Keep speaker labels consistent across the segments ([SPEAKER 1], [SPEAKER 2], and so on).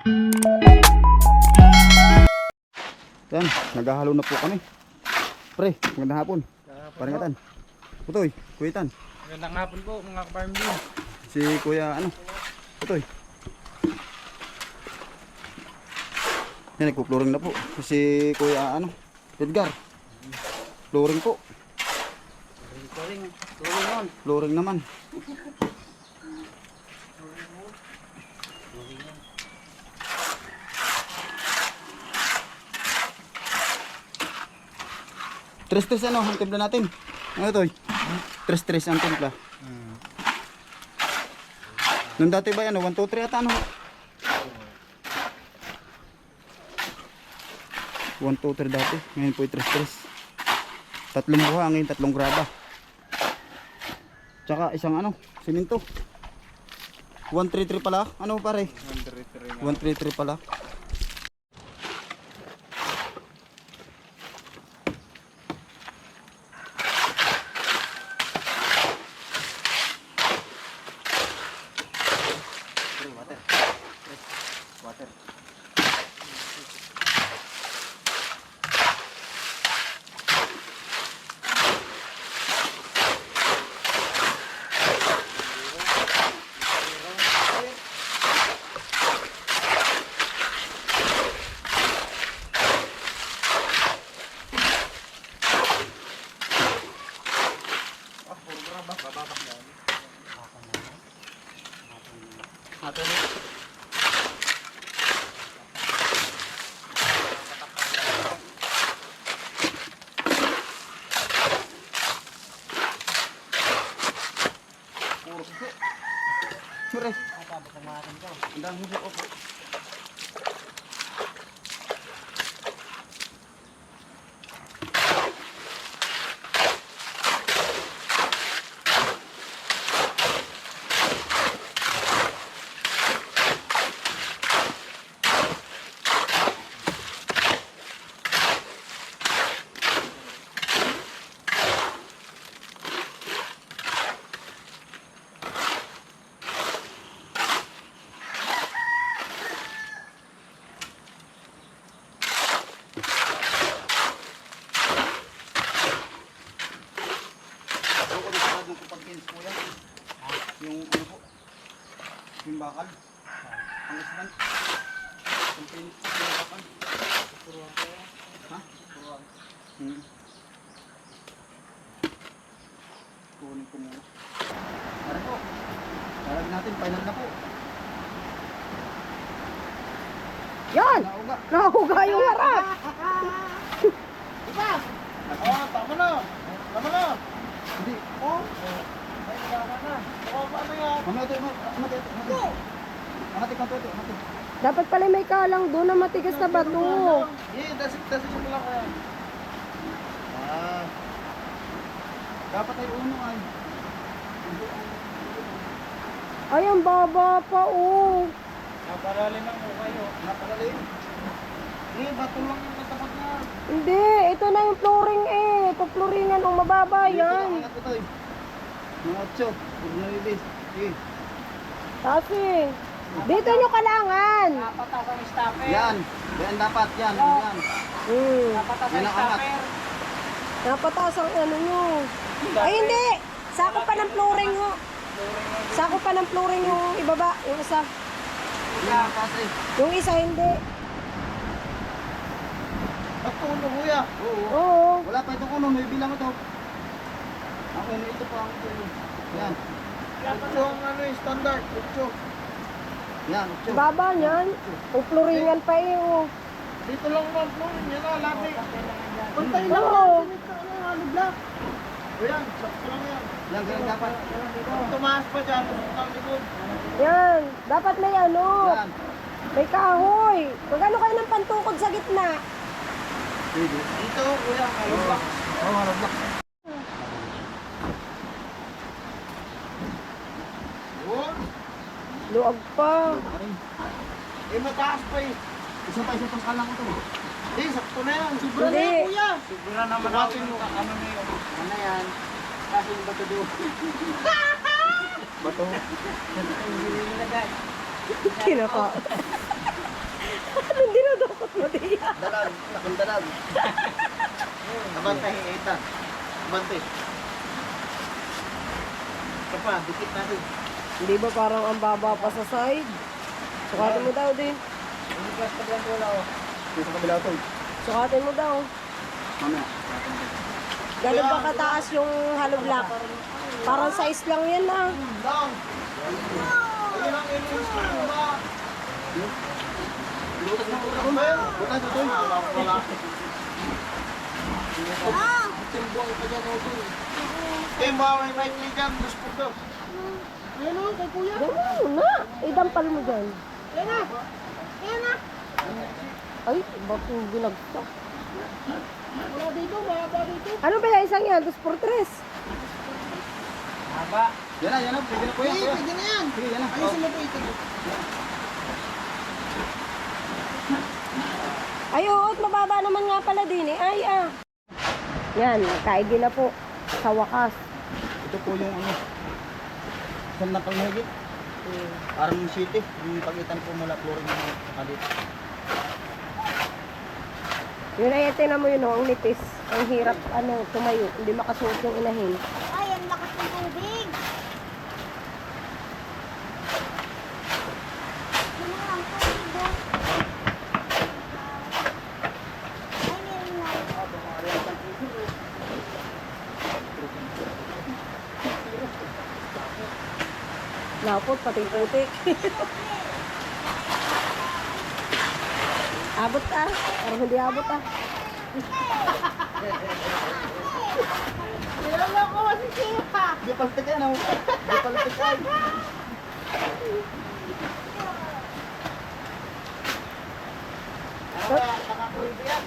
[SPEAKER 1] Yan, naghahalo na po kami. Pre, magandang hapon. Paringatan. Putoy, kuyitan.
[SPEAKER 2] Magandang hapon po mga ka-farm din.
[SPEAKER 1] Si Kuya ano? Putoy. Yan, nagpo-flooring na po. Si Kuya ano? Edgar. Flooring po. Flooring naman. Tres-tres ano, ang timpla natin. Ano to? Tres-tres ang timpla. Nung dati ba yan, 1, 2, 3 ata ano? 1, 2, 3 dati. Ngayon po yung tres-tres. Tatlong buhangin, tatlong graba. Tsaka isang ano, siminto. 133 pala. Ano pare? 133 pala. Water. Sure. Ang dami po. Yung ano po, yung bakal, ang islan, yung pinit po, yung bakal. Ha? Kunin ko muna. Tara po, tarag natin, final na po.
[SPEAKER 3] Yan!
[SPEAKER 1] Nauga.
[SPEAKER 3] Nahuga yung harap!
[SPEAKER 2] Diba? Tama na! Tama na!
[SPEAKER 1] Hindi.
[SPEAKER 2] Ay, tama na. Ano yan?
[SPEAKER 1] Mamati.
[SPEAKER 3] Dapat pala may kalang doon na matigas na bato.
[SPEAKER 2] Dasik mo lang kaya.
[SPEAKER 1] Dapat ay uno ay.
[SPEAKER 3] Ay, ang baba pa oh.
[SPEAKER 2] Napalalim ang kayo.
[SPEAKER 1] Napalalim.
[SPEAKER 2] Bato lang yung natapat na.
[SPEAKER 3] Hindi, ito na yung flooring eh. Pag-flooringan ang mababa yan.
[SPEAKER 1] Angat ito eh. Mga 8. Huwag na release. Sige.
[SPEAKER 3] Kasi, dito nyo kailangan.
[SPEAKER 2] Napatas ang stopper.
[SPEAKER 1] Yan. Yan dapat. Yan. Yan.
[SPEAKER 2] Napatas
[SPEAKER 1] Yan
[SPEAKER 2] ang
[SPEAKER 1] ang angat.
[SPEAKER 2] stopper.
[SPEAKER 3] Napataas ang ano nyo. Ay, hindi. Sako pa ng flooring ho. Sako pa ng flooring yung ibaba. Yung isa.
[SPEAKER 1] Yan. Kasi.
[SPEAKER 3] Yung isa hindi.
[SPEAKER 2] Pagtulo kuya.
[SPEAKER 1] Oo.
[SPEAKER 3] Oo.
[SPEAKER 1] Wala pa itong uno. May bilang ito. Ang uno ito pa ang uno. Yan.
[SPEAKER 2] Ito ang ano yung standard. Ito.
[SPEAKER 1] Yan. 8.
[SPEAKER 3] Baba niyan. Yung flooringan pa eh. Oh.
[SPEAKER 2] Dito lang man po. Yan na. Labi. Pantay lang.
[SPEAKER 3] Oo.
[SPEAKER 2] Ano block? Ayan. Sakto lang yan.
[SPEAKER 1] Yan. Ganyan dapat.
[SPEAKER 2] Tumaas pa dyan. Ang likod.
[SPEAKER 3] Yan. Dapat may ano.
[SPEAKER 1] Yan.
[SPEAKER 3] May kahoy. Magano kayo ng pantukod sa gitna?
[SPEAKER 1] Sige.
[SPEAKER 2] Dito kuya. Hollow block.
[SPEAKER 1] Oh, harap block.
[SPEAKER 2] Yun.
[SPEAKER 3] Luag pa.
[SPEAKER 2] Eh mataas pa eh.
[SPEAKER 1] Isa pa kalang ito.
[SPEAKER 2] Eh, sakto na yan. Sobra na
[SPEAKER 3] Hindi.
[SPEAKER 2] yan, kuya. Sobra naman natin mo. Ano na yun?
[SPEAKER 1] Ano yan? Kasi yung bato doon. Bato.
[SPEAKER 3] Kinaka.
[SPEAKER 1] Dalag, laking dalag.
[SPEAKER 2] Abantay, Ethan. Abantay. Ito pa, dikit natin.
[SPEAKER 3] Hindi ba parang ang baba pa sa side? Sukatin mo daw din.
[SPEAKER 2] Hindi ka sa lang wala oh.
[SPEAKER 1] Dito sa kabila ito.
[SPEAKER 3] Sukatin mo daw.
[SPEAKER 1] Mamaya.
[SPEAKER 3] Ganun ba kataas yung hollow block? Parang size lang yan ah.
[SPEAKER 2] Lang. Ayun ang inis ko ba?
[SPEAKER 1] Butas na ito.
[SPEAKER 2] Wala. Timbang ka dyan, Oto. Timbang, may mic niya dyan. Dos po daw. Ayun o, kay kuya.
[SPEAKER 3] Ganun muna. Idampal mo dyan.
[SPEAKER 2] Ayun na. Ayun na.
[SPEAKER 3] Ay, ba't yung binagsak?
[SPEAKER 2] Wala dito, mahaba dito.
[SPEAKER 3] Ano ba yung isang yan? 2x3.
[SPEAKER 2] Haba.
[SPEAKER 1] Yan na. Pwede na po yan.
[SPEAKER 2] Pwede na yan.
[SPEAKER 1] Sige, yan na.
[SPEAKER 2] Ayusin mo po ito.
[SPEAKER 3] Ay, oo, at mababa naman nga pala din eh. Ay, ah. Yan, kaigi na po. Sa wakas.
[SPEAKER 1] Ito po yung ano. Saan na pang higit? Parang city. Yung pagitan po mula flooring ng kalit.
[SPEAKER 3] Yun ay, tingnan mo yun, oh, ang nipis. Ang hirap, tumayo. Hindi makasuot yung inahin.
[SPEAKER 4] Ay, ang lakas ng tubig. Ano ang tubig doon? Ay, meron na.
[SPEAKER 3] Lapot, pati putik. Abot ah. Parang hindi abot ah.
[SPEAKER 4] Nilala ko si Sipa.
[SPEAKER 1] Di paltik yan oh. Di paltik yan.
[SPEAKER 2] Nakakulbi yan.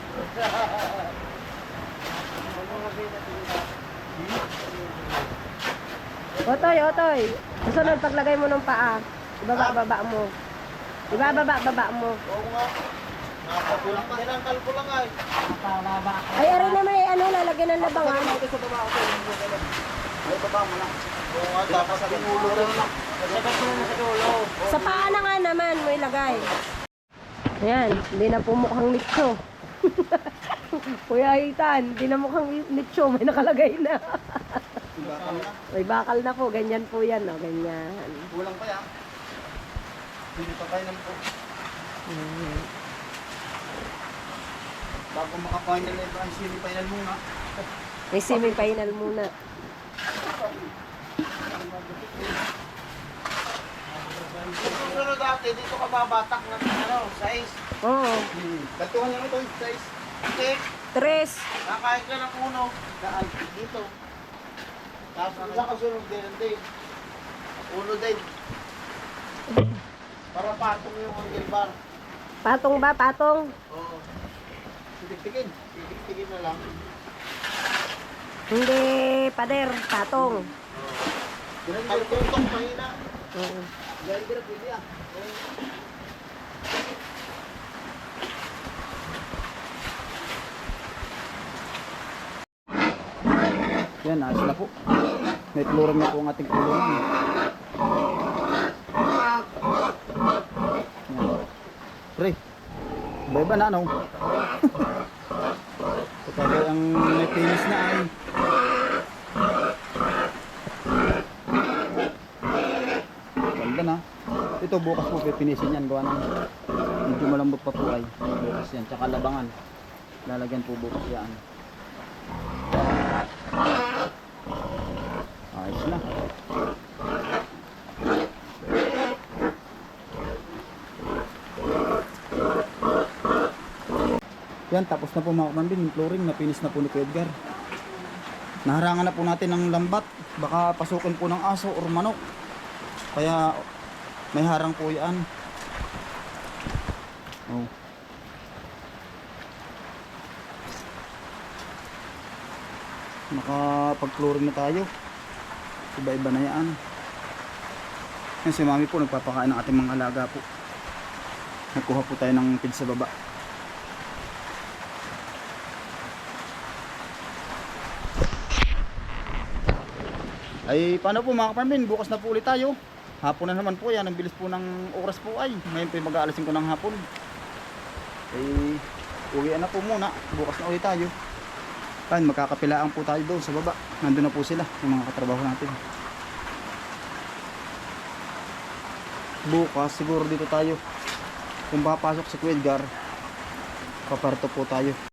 [SPEAKER 3] Otoy, otoy. Susunod, paglagay mo ng paa. Ibaba mo. Ibaba mo.
[SPEAKER 2] Oo nga. Nakakulang pa. Tinangkal ko lang ay. Nakababa.
[SPEAKER 3] Ay, aray na may lalagyan ng labangan.
[SPEAKER 1] Ito sa baba ako. Ay, baba mo na.
[SPEAKER 2] Oo nga, tapos sa pinulo rin lang. Sagat mo na sa dulo.
[SPEAKER 3] Sa paa na nga naman mo ilagay. Ayan, hindi na po mukhang nicho. Kuya Itan, hindi na mukhang nicho. May nakalagay na.
[SPEAKER 1] Bakal na.
[SPEAKER 3] May bakal na po. Ganyan po yan. Oh, ganyan.
[SPEAKER 1] Kulang pa yan. Hindi pa tayo ng po. Bago maka-final na ito, ang semi-final muna.
[SPEAKER 3] May semi-final muna.
[SPEAKER 2] Susunod dati, dito ka babatak ng size.
[SPEAKER 3] Oo.
[SPEAKER 1] Kaltuhan niya ito, size.
[SPEAKER 2] Okay.
[SPEAKER 3] 3.
[SPEAKER 2] Nakain ka ng uno. Daan dito. Tapos ang isa kasunod din din. Uno din. Para patong yung angle bar.
[SPEAKER 3] Patong ba? Patong?
[SPEAKER 2] Oo.
[SPEAKER 1] Titik-tikin.
[SPEAKER 2] Titik-tikin na lang.
[SPEAKER 3] Hindi, pader. Patong.
[SPEAKER 2] Ang tutok mahina.
[SPEAKER 3] Oo.
[SPEAKER 1] Yan, hindi na pwede ah. Yan, ayos na po. May flooring na po ang ating kulungan. Yan. Pre, iba-iba na ano? Kapag ang may finish na ay ganda na. Ito bukas po pipinisin yan. Gawa ng medyo malambot pa po ay bukas yan. Tsaka labangan. Lalagyan po bukas yan. Ayos na. Yan, tapos na po mga kapambin. Yung flooring na finish na po ni Kuya Edgar. Naharangan na po natin ng lambat. Baka pasukin po ng aso or manok. Kaya may harang po yan. Oh. Nakapag-flooring na tayo. Iba-iba na yan. Yan si mami po nagpapakain ng ating mga alaga po. Nagkuha po tayo ng feed sa baba. Ay paano po mga kaparmin, bukas na po ulit tayo. Hapon na naman po yan, ang bilis po ng oras po ay. Ngayon po mag-aalasin ko ng hapon. Eh, uwian na po muna. Bukas na ulit tayo. Ayun, magkakapilaan po tayo doon sa baba. Nandun na po sila, yung mga katrabaho natin. Bukas, siguro dito tayo. Kung papasok si Kuya Edgar, paparto po tayo.